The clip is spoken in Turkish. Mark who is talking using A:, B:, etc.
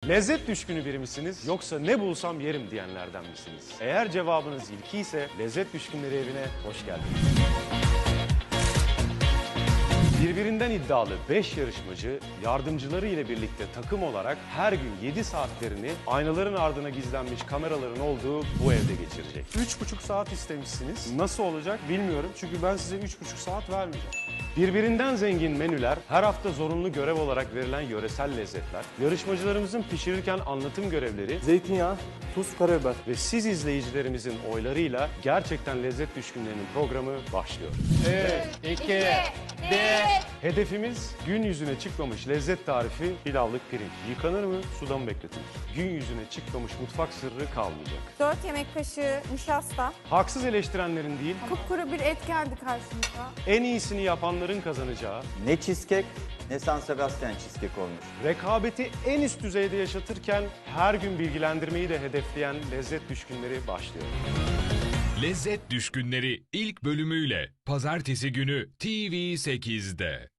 A: Lezzet düşkünü biri misiniz yoksa ne bulsam yerim diyenlerden misiniz? Eğer cevabınız ilki ise lezzet düşkünleri evine hoş geldiniz. Birbirinden iddialı 5 yarışmacı yardımcıları ile birlikte takım olarak her gün 7 saatlerini aynaların ardına gizlenmiş kameraların olduğu bu evde geçirecek. 3,5 saat istemişsiniz. Nasıl olacak bilmiyorum çünkü ben size 3,5 saat vermeyeceğim. Birbirinden zengin menüler, her hafta zorunlu görev olarak verilen yöresel lezzetler, yarışmacılarımızın pişirirken anlatım görevleri
B: Zeytinyağı, tuz, karabiber.
A: ve siz izleyicilerimizin oylarıyla gerçekten lezzet düşkünlerinin programı başlıyor.
C: 2,
D: 1.
A: Hedefimiz gün yüzüne çıkmamış lezzet tarifi pilavlık pirinç. Yıkanır mı, suda mı bekletilir? Gün yüzüne çıkmamış mutfak sırrı kalmayacak.
D: 4 yemek kaşığı nişasta.
A: Haksız eleştirenlerin değil,
D: Kupkuru bir et geldi karşımıza.
A: en iyisini yapanların kazanacağı,
C: Ne cheesecake ne San Sebastian cheesecake olmuş.
A: rekabeti en üst düzeyde yaşatırken her gün bilgilendirmeyi de hedefleyen lezzet düşkünleri başlıyor.
E: Lezzet Düşkünleri ilk bölümüyle Pazartesi günü TV8'de.